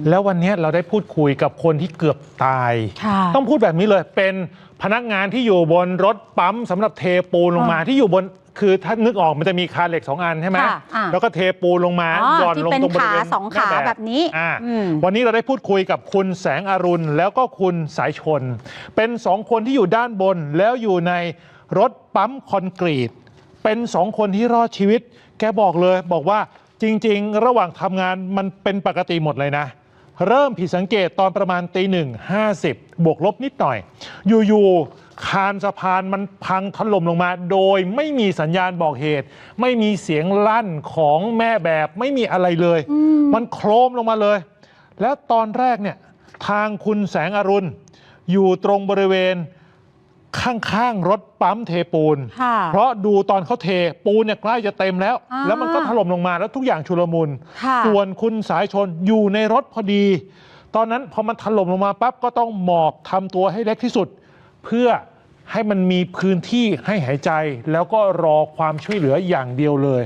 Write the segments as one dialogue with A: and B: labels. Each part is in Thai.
A: แล้ววันนี้เราได้พูดคุยกับคนที่เกือบตายต้องพูดแบบนี้เลยเป็นพนักงานที่อยู่บนรถปั๊มสำหรับเทปูนลงมาที่อยู่บนคือถ้านึกออกมันจะมีคานเหล็ก2 อันใช่ไหมแล้วก็เทปูนลงมาหย่อนลงตรงบริเวณ
B: 2 ขาแบบนี้
A: วันนี้เราได้พูดคุยกับคุณแสงอรุณแล้วก็คุณสายชนเป็น2 คนที่อยู่ด้านบนแล้วอยู่ในรถปั๊มคอนกรีตเป็น2 คนที่รอดชีวิตแกบอกเลยบอกว่าจริงๆระหว่างทำงานมันเป็นปกติหมดเลยนะเริ่มผิดสังเกตตอนประมาณ1:50บวกลบนิดหน่อยอยู่ๆคานสะพานมันพังถล่มลงมาโดยไม่มีสัญญาณบอกเหตุไม่มีเสียงลั่นของแม่แบบไม่มีอะไรเลยมันโครมลงมาเลยแล้วตอนแรกเนี่ยทางคุณแสงอรุณอยู่ตรงบริเวณข้างๆรถปั๊มเทปูนเพราะดูตอนเขาเทปูนเนี่ยใกล้จะเต็มแล้วมันก็ถล่มลงมาแล้วทุกอย่างชุลมุนส่วนคุณสายชนอยู่ในรถพอดีตอนนั้นพอมันถล่มลงมาปั๊บก็ต้องหมอบทำตัวให้เล็กที่สุดเพื่อให้มันมีพื้นที่ให้หายใจแล้วก็รอความช่วยเหลืออย่างเดียวเลย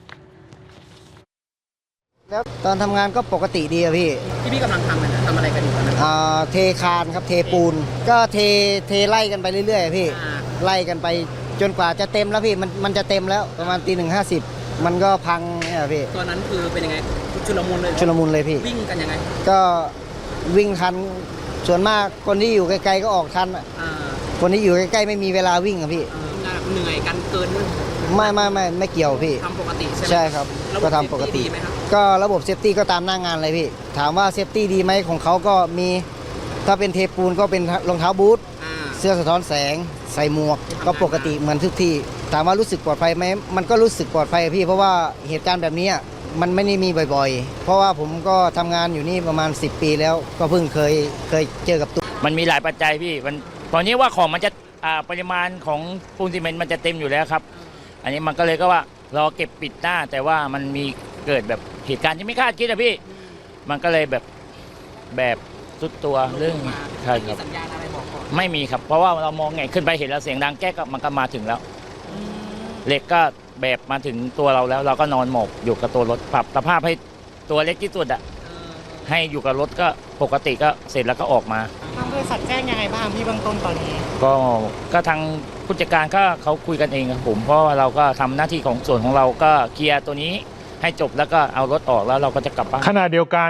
C: แล้วตอนทำงานก็ปกติดีอะพี่
D: กำลังทำอะไรกันอยู่ตอนนั้น
C: เทคานครับเทปูนก็เทไล่กันไปเรื่อยๆพี่ไล่กันไปจนกว่าจะเต็มแล้วพี่มันจะเต็มแล้วประมาณ1:50มันก็พังเนี่ยพี่
D: ตอนนั้นคือเป็นยังไงชุลมุน
C: เลยพี่
D: วิ่งกันยังไง
C: ก็วิ่งทันส่วนมากคนที่อยู่ไกลๆก็ออกทันคนที่อยู่ใกล้ๆไม่มีเวลาวิ่งอะพี่
D: เหนื่อยกันเกิน
C: ไม่เกี่ยวพี่
D: ทำปกติใช่ไหม
C: ใช่ครับก็ทำปกติก็ระบบเซฟตี้ก็ตามหน้างานเลยพี่ถามว่าเซฟตี้ดีไหมของเขาก็มีถ้าเป็นเทปูนก็เป็นรองเท้าบูทเสื้อสะท้อนแสงใส่หมวกก็ปกติเหมือนทุกที่ถามว่ารู้สึกปลอดภัยไหมมันก็รู้สึกปลอดภัยพี่เพราะว่าเหตุการณ์แบบนี้มันไม่ได้มีบ่อยๆเพราะว่าผมก็ทำงานอยู่นี่ประมาณ10 ปีแล้วก็เพิ่งเคยเจอกับตัว
E: มันมีหลายปัจจัยพี่ตอนนี้ว่าของมันจะปริมาณของปูนซีเมนต์มันจะเต็มอยู่แล้วครับอันนี้มันก็เลยก็ว่ารอเก็บปิดหน้าแต่ว่ามันมีเกิดแบบเหตุการณ์ที่ไม่คาดคิดอะพี่มันก็เลยแบบสุดตัวเรื่อง
D: ใช่ครับสัญญาณอะไรบอกก่อน
E: ไม่มีครับเพราะว่าเรามองไงขึ้นไปเห็นแล้วเสียงดังแก๊กมันก็มาถึงแล้วเหล็กก็แบบมาถึงตัวเราแล้วเราก็นอนหมอบอยู่กับตัวรถปรับสภาพให้ตัวเล็กที่สุดอะให้อยู่กับรถก็ปกติก็เสร็จแล้วก็ออกมา
D: ทางบริษัทแจ้งยังไงบ้างพี่เบื้องต้นตอนนี้
E: ก็ทางผู้จัดการก็เขาคุยกันเองครับผมเพราะเราก็ทำหน้าที่ของส่วนของเราก็เคลียร์ตัวนี้ให้จบแล้วก็เอารถออกแล้วเราก็จะกลับบ้าน
A: ขณะเดียวกัน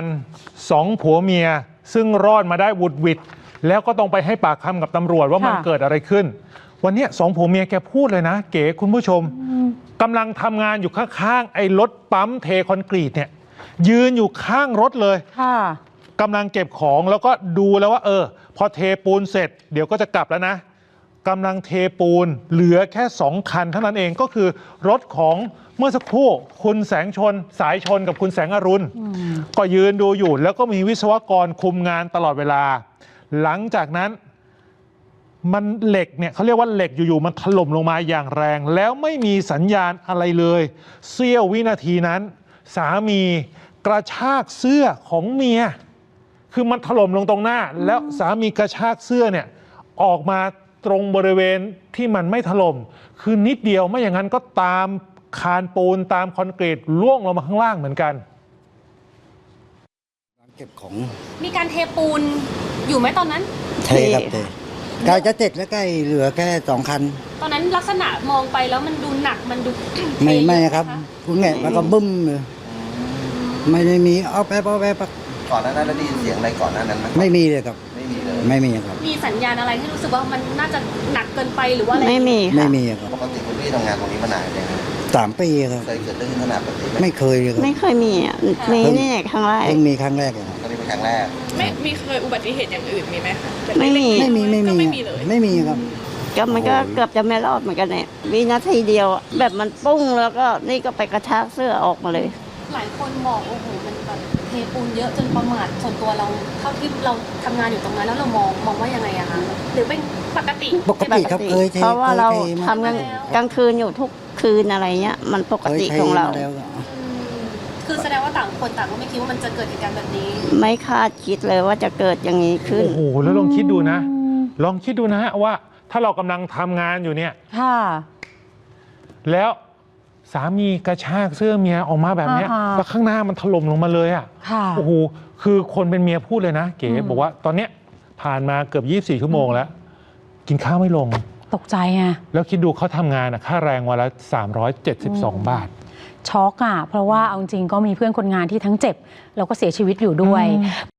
A: 2 ผัวเมียซึ่งรอดมาได้วุดวิดแล้วก็ต้องไปให้ปากคำกับตำรวจว่ามันเกิดอะไรขึ้นวันนี้2 ผัวเมียแกพูดเลยนะเก๋คุณผู้ชมกำลังทำงานอยู่ข้างๆไอ้รถปั๊มเทคอนกรีตเนี่ยยืนอยู่ข้างรถเลยกำลังเก็บของแล้วก็ดูแล้วว่าพอเทปูนเสร็จเดี๋ยวก็จะกลับแล้วนะกำลังเทปูนเหลือแค่2 คันเท่านั้นเองก็คือรถของเมื่อสักครู่คุณแสงชนสายชนกับคุณแสงอรุณก็ยืนดูอยู่แล้วก็มีวิศวกรคุมงานตลอดเวลาหลังจากนั้นมันเหล็กเนี่ยเขาเรียกว่าเหล็กอยู่ๆมันถล่มลงมาอย่างแรงแล้วไม่มีสัญญาณอะไรเลยเสี้ยววินาทีนั้นสามีกระชากเสื้อของเมียคือมันถล่มลงตรงหน้าแล้วสามีกระชากเสื้อเนี่ยออกมาตรงบริเวณที่มันไม่ถล่มคือนิดเดียวไม่อย่างนั้นก็ตามคานปูนตามคอนกรีตล่วงลงมาข้างล่างเหมือนกัน
C: เก็บของ
B: มีการเทปูนอยู่ไหมตอนนั้น
C: เทครับเทใกล้จะเสร็จแล้วใกล้เหลือแค่2 คัน
B: ตอนนั้นลักษณะมองไปแล้วมันดูหนักมันดู
C: ไม่ครับคุณแง่แล้วก็บึ้มเลยไม่ได้มีเอาแป๊บ
F: ก่อนหน้านั้นได้ยินเสียงอะไรก่อนหน้านั้นไหม
C: ไม่มีเลยครับไม่มีครับ
B: มีสัญญาณอะไรที่รู้สึกว่ามันน่าจะหนักเกินไปหรือว่าอะไร
C: ไม่มีครับ
F: ปกติคุณพี่ทำงานตรงนี้มานานยัง
C: 3 ปีครับ
F: เคยเกิดเรื่องขนาดแบบนี้
C: ไม่เคยเลยครับ
G: ไม่เคยมีอ่ะมีนี่ครั้งแรก
C: มีครั้งแรกเลย
F: ตอนนี้เป็นครั้งแรก
D: ไม่มีเคยอุบัติเหตุอย่างอื่นมีไหมคะ
G: ไม่มี
D: เลย
C: ไม่มีครับ
G: ก็มันก็เกือบจะไม่รอดเหมือนกันเนี่ยวินาทีเดียวแบบมันปุ้งแล้วก็นี่ก็ไปกระชากเสื้อออกมาเลย
B: หลายคนบอกโอ้โหมันแบบเทปูนเยอะจนประมาทส่วนตัวเราเท่าที่เราทำงานอยู่ตรงนั้นแล้วเรามองว่ายังไงอะคะหรือเป็นปกติ
C: ครับ
G: เพราะว่าเราทำกลางคืนอยู่ทุกคืนอะไรเงี้ยมันปกติของเรา
B: คือแสดงว่าต่างคนต่างก็ไม่คิดว่ามันจะเกิดเหตุการณ์แบบนี้
G: ไม่คาดคิดเลยว่าจะเกิดอย่างนี้ขึ้น
A: โอ้โหแล้วลองคิดดูนะว่าถ้าเรากำลังทำงานอยู่เนี่ยแล้วสามีกระชากเสื้อเมียออกมาแบบนี้แล้วข้างหน้ามันถล่มลงมาเลยโอ้โหคือคนเป็นเมียพูดเลยนะเก๋บอกว่าตอนเนี้ยผ่านมาเกือบ24 ชั่วโมงแล้ว กินข้าวไม่ลง
H: ตกใจไง
A: แล้วคิดดูเขาทำงานค่าแรงวันละ372 บาท
H: ช็อกอ่ะเพราะว่าเอาจริงก็มีเพื่อนคนงานที่ทั้งเจ็บแล้วก็เสียชีวิตอยู่ด้วย